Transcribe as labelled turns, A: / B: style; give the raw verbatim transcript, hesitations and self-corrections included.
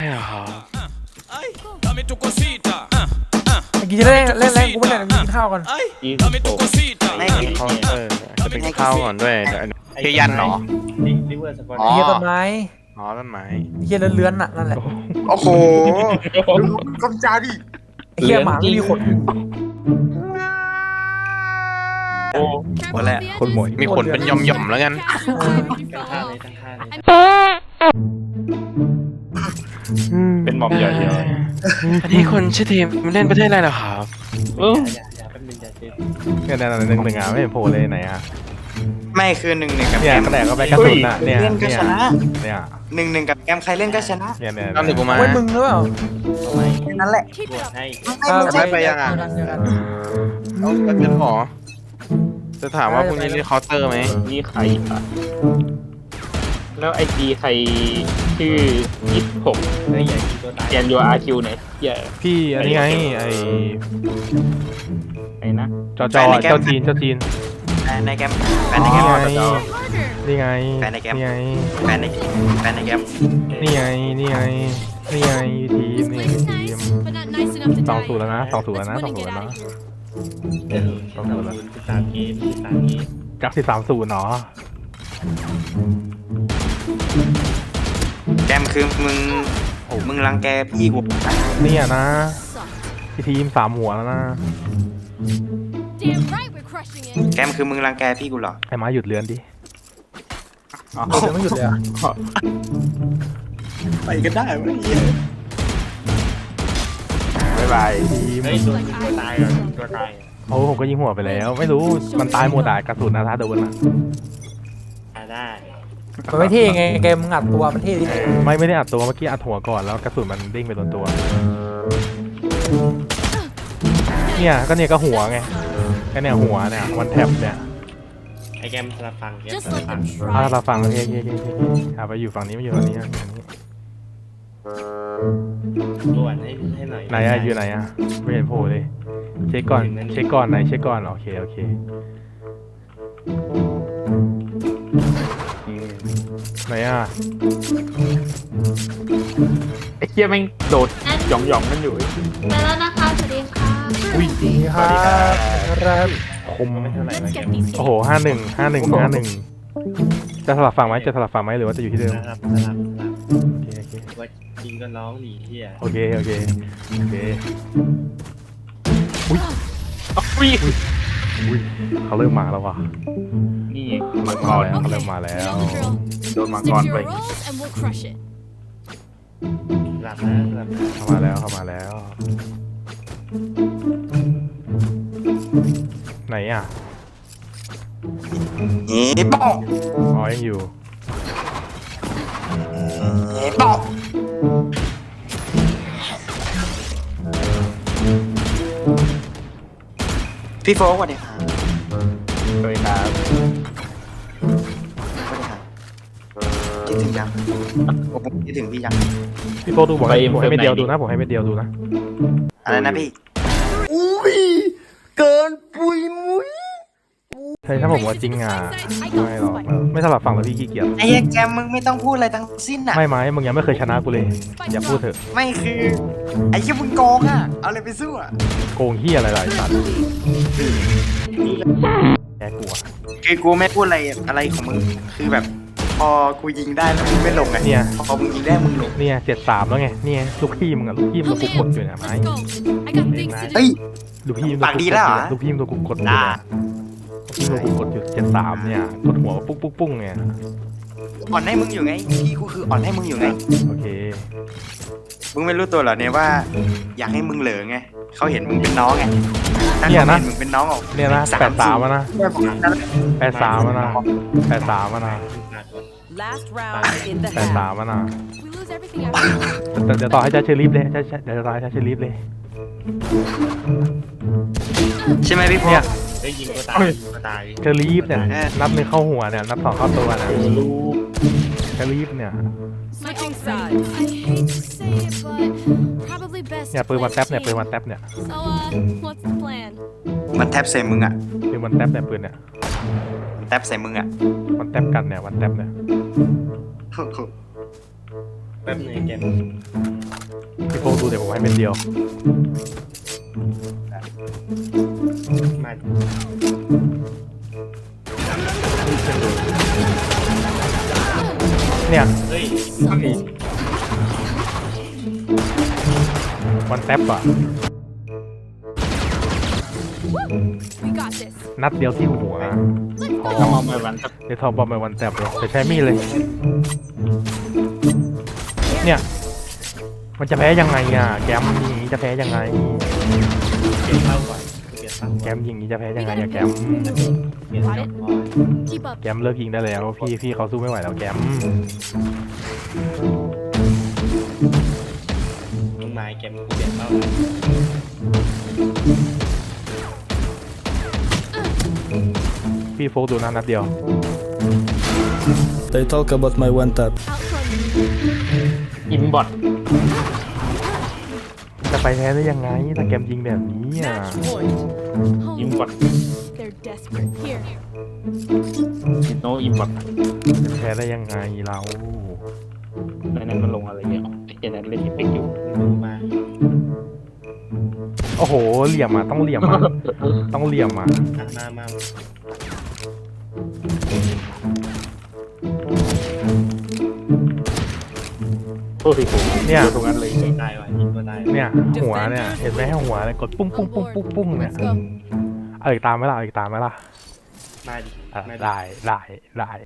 A: กินจะเล่นเล่นเล่นกูไม่เล่นกินข้าวก่อน
B: ไม่กินเขาเออจะไปกินข้าวก่อนด้วยเฮียยันเหรอ
A: เฮียต้นไม้
B: อ๋อต้นไม้
A: เฮียเลื้อนๆน่ะนั่นแหละ
C: โอ้โหกำจาดิ
A: เฮียหมาไม่มีขน
B: โอ้หมดแล้วคนหมวยมีขนเป็นย่อมๆแล้วกัน
D: เป็นหม่อมใหญ่เลย
B: อันนี้คนชื่อทีมเล่นประเทศอะไรเหรอครับ
D: อย่าอย่าแป๊บนึงอย่าเจ็บ
E: เนี่ยนั่นหนึ่งหนึ่งอ่ะไม่เห็นโผล่เลยไหนอ่ะ
C: ไม่คือหนึ่งหนึ่งกับ
E: เนี่ย
C: แกม
E: ก็แตกก็ไปกระสุนอ่ะเนี่ย
C: เล่นก็ชนะ
E: เนี่ย
C: หนึ่งหนึ่งกับแกมใครเล่นก็ชนะ
E: เนี่ยเนี่ย
B: ตอนถึงกูมา
A: ไว้มึงหรือเปล่า
C: นั่นแหละ
B: ไม่ไปยังอ่ะเอาก็จะขอจะถามว่าพรุ่งนี้เล่นเคาน์เตอร์ไหม
D: นี่ใครอ่ะแล้วไอจีใครชื่อยี่สิบหกไอ้ใหญ่ตัวตายแกนยูอาร์คิวไหนใหญ่
E: พี่อันนี้ไงไอ
D: ไอ้นะ
E: จอจอเจ้าจีนเจ้าจีน
C: ในแกมแฟนในแกม
E: นี่ไง
C: แฟนในแกม
E: นี่ไง
C: แฟนในแฟนในแกม
E: นี่ไงนี่ไงนี่ไงทีมนี่ทีมสองศูนย์แล้วนะสองศูนย์แล้วนะสองศูนย์แล้วนะสองศูนย์แล้ว
D: สามเกมสามเกม
E: กักสิบสามศูนย์เนาะ
C: แกมคือมึงมึงรังแกพี่กู
E: เนี่ยนะพี่ทีมสามหัวแล้วนะ
C: แกมคือมึงรังแกพี่กูเหรอ
E: ให้ม้าหยุดเลือนดิ
A: อ๋อเดี๋ยวไม่หยุดเลยอ่ะ
C: ไปกันได้ไหม
E: บายบายทีม
D: ตัวตายก่อนตัวตาย
E: โอ้ผมก็ยิงหัวไปแล้วไม่รู้มันตายหมดอ่ะกระสุนนะถ้าโดนอ่ะ
D: ได้
A: มันไม่เท่ไงเกมมึงอัดตัวมันเท่ดิ
E: ไม่ไม่ได้อัดตัวเมื่อกี้อัดหัวก่อนแล้วกระสุนมันเด้งไปโดนตัวเนี่ยก็เนี่ยก็หัวไงก็เนี่ยหัวเนี่ยวันแท็บเนี่ย
D: ไอแกมสลับฟังแกมสลับฟัง
E: อ่าเราฟังโอเคโอเคโอเคอ่าไปอยู่ฝั่งนี้ไม่อยู่ฝั่งนี้ฝั่งนี้
D: ด่วนให้ให้หน่อย
E: ไหนอะอยู่ไหนอะไม่เห็นโผล่เลยเช็คก่อนเช็คก่อนไหนเช็คก่อนโอเคโอเคไหนอะ
D: ไอ้เหี้ยแม่งโดดหย่องหย่องกันอยู่
F: ไปแล้วนะคะสวัสดีค่ะ
E: อุ้ย
A: ดีครับครับ
E: คมโอ้โหห้าหนึ่งห้าหนึ่งห้าหนึ่งจะสลับฝั่งไหมจะสลับฝั่งไหมหรือว่าจะอยู่ที่เดิม
D: สลับสลับ
E: โอเคโอเค
D: ว่าจริงก็ร้องหนีเหี้ย
E: โอเคโอเคโอเค
D: อุ้ยอุ้ย
E: อุ้ยเขาเริ่มมาแล้วว่ะ
D: นี่
E: มังกรเขาเริ่มมาแล้ว
D: โดนมังกรไปหลับนะหลับ
E: เข้ามาแล้วเข้ามาแล้วไหนอ่ะ
C: เฮ้ยบอก
E: อ๋อยังอยู่
C: เฮ้ยบอกพี่โฟกสวัสดีครับ
D: สวัสดีครับ
C: สวัสดีครับคิดถึงยังผมคิดถึงพี่ยัง
E: พี่โฟดูบอกให้ผมให้ไม่เดียวดูนะผมให้ไม่เดียวดูนะ
C: อะไรนะพี่อุ้ยเกินปุยมุ้ย
E: ใช่ถ้าผมว่าจริงอ่ะไม่หรอกไม่สลับฝั่งแล้วพี่ขี้เกียจ
C: ไอ้แกมมึงไม่ต้องพูดอะไรทั้งสิ้นอ่ะ
E: ไม่ไหมมึงยังไม่เคยชนะกูเลยอย่าพูดเถอะ
C: ไม่คือไอ้ยี่มึงโกงอ่ะเอาอะไรไปสู้อ่ะ
E: โกงเฮียอะไรหลายสัตว์แกกลัว
C: คือกูไม่พูดอะไรอะไรของมึงคือแบบพอกูยิงได้แล้วมึงไม่ลงไง
E: เนี่ย
C: พอมึงยิงได้มึงลง
E: เนี่ยเจ็ดสามแล้วไงเนี่ยลูกพี่มึงอะลูกพี่มึงกูกดอยู่เนี่ยไหม
C: เฮ้ย
E: ลูกพี่
C: ปากดีแล้ว
E: ลูกพี่มึงกูกดอยู่เนี่ยพี่มึงกูกดอยู่เจ็ดสามเนี่ยกดหัวปุ๊กปุ๊กปุ๊กเนี่ย
C: อ่อนให้มึงอยู่ไงพี่กูคืออ่อนให้มึงอยู่ไง
E: โอเค
C: มึงไม่รู้ตัวเหรอเนี่ยว่าอยากให้มึงเหลือไงเขาเห็นมึงเป็นน้องไง
E: เนี่ยนะ
C: มึงเป็นน้องออก
E: เนี่ยนะแปดสามนะแปดสามนะแปดสามนะแปดสามนะเดี๋ยวต่อให้จ้าเชอรี่เลยเดี๋ยวต่อให้จ้าเชอรี่เลย
C: ใช่ไหมพี่พงศ์
D: ได้ยิงก็ตายก็ตาย
E: เชอรี่เนี่ยนับหนึ่งเข้าหัวเนี่ยนับสองเข้าตัวนะเชอรี่เนี่ยเนี่ยปืนมันแท็บเนี่ยปืนมันแท็บเนี่ย
C: มันแท็บใส่มึงอ่ะ
E: ปืนมันแท็บเนี่ยปืนเนี่ย
C: แท็บใส่มึงอ่ะ
E: มันแท็บกันเนี่ยมันแท็บเนี่ย
G: แป๊บหนึงแกม
E: พี่โฟกดูเดี๋ยวผมให้เป็นเดียว
G: มา
E: เนี่ย
G: เฮ้ย
E: วันแท็บอ่ะ นัดเดียวที่หัวอ๋อ
D: ทำเอาไปวันสัก
E: เดี๋ยวทอมบอมไปวันแท็บเลยแต่ใช้มีดเลย เนี่ย มันจะแพ้ยังไงอ่ะ แกมอย่างนี้จะแพ้ยังไง
G: เปลี่ยนเป้าก่อนเปลี่ยนเป้า
E: แกมยิงนี้จะแพ้ยังไงอะแกม
G: เปลี่ยนเป้าก่อน
F: Keep up.
E: แกมเลิกยิงได้แล้ว พี่พี่เขาสู้ไม่ไหวแล้วแกม
G: มึงมาแกมกูเปลี่ยนเป้าก่อน
E: พี่โฟกดูนะนัดเดียว
H: They talk about my one tap.
F: Outrun me.
D: อิมบอท
E: จะไปแพ้ได้ยังไงถ้าแกมยิงแบบนี้อ่ะ
D: อิม
F: Home.
D: บอท
F: They're desperate. Here.
D: โนอิมบอท
E: จะแพ้ได้ยังไงเรา
D: ในนั้นมันลงอะไรเงี้ยไอ้เจนั้นเล่นเอฟเฟกต์อยู่
G: มึงมา
E: โอ้โห เหลี่ยมอ่ะ ต้องเหลี่ยมอ่ะ ต้องเหลี่ยมอ่ะ
G: อ่ะมามา
D: โอ้ยโห
E: เนี่ย
D: ตรงนั้นเลย
G: ได้ว่ะยิงก็ได้
E: เนี่ย หัวเนี่ย เห็นไหมหัวเนี่ยกดปุ้งปุ้งปุ้งปุ้งปุ้งเนี่ย
F: Let's go.
E: เอาอีกตามไหมล่ะเอาอีกตามไหมล่ะ
G: มาดิ
E: อ่ะ
G: มาดิ
E: ได้ได้ได้